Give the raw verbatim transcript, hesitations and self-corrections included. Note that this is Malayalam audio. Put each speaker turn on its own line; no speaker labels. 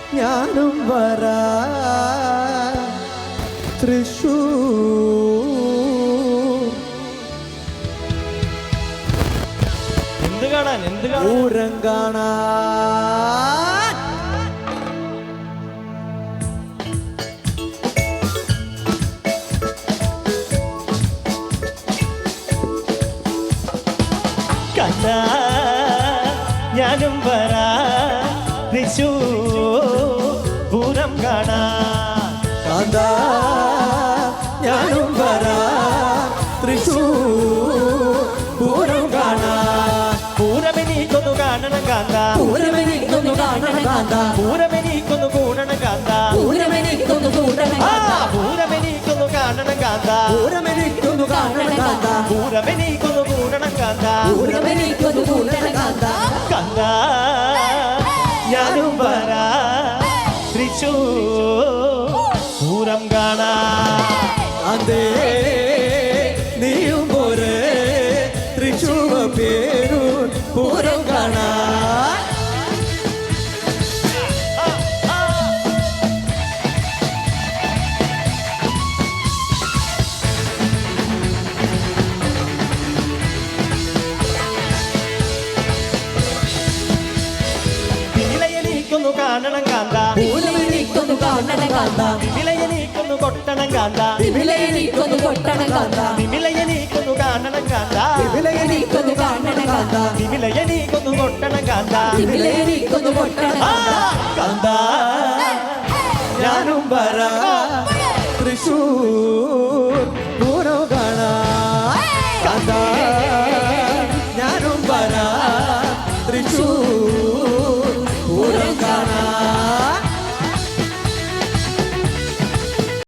ഞാനും വരാ തൃശൂർ.
എന്ത് കാണാൻ എന്ത്
പൂരം കാണാൻ
കണ്ടാ ഞാനും വരാ തൃശൂർ പൂരം കാണാൻ.
കാന്താ ഞാനും വരാ തൃശൂർ പൂരം കാണാൻ.
പൂരമെനിക്കൊന്നു കാണണം കാന്ത,
പൂരമെനിക്കൊന്നു കാണണം കാന്ത,
പൂരമെനിക്കൊന്നു കൂടണം കാന്ത,
പൂരമെനിക്കൊന്നു കൂടണം കാന്ത,
പൂരമെനിക്കൊന്നു കാണണം കാന്ത,
പൂരമെനിക്കൊന്നു കാണണം കാന്ത,
പൂരമെനിക്കൊന്നു കൂടണം കാന്ത,
പൂരമെനിക്കൊന്നു കൂടണം കാന്ത.
കാന്ത ഞാനും വരാ തൃശൂർ പൂരം കാണാൻ.
അതേ നീയും പോരെ തൃശൂർ പേരൂർ പൂരം കാണാൻ.
വിലയെനിക്കൊന്നു കാണണം കാന്ത,
പൂരമെനിക്കൊന്നു കാണണം കാന്ത,
വിലയെനിക്കൊന്നു കൊട്ടണം കാന്ത,
വിലയെനിക്കൊന്നു കൊട്ടണം കാന്ത,
വിലയെനിക്കൊന്നു കാണണം കാന്ത,
വിലയെനിക്കൊന്നു കാണണം കാന്ത,
വിലയെനിക്കൊന്നു കൊട്ടണം കാന്ത,
വിലയെനിക്കൊന്നു കൊട്ടണം കാന്ത.
കാന്ത ഞാനും വരാ തൃശൂർ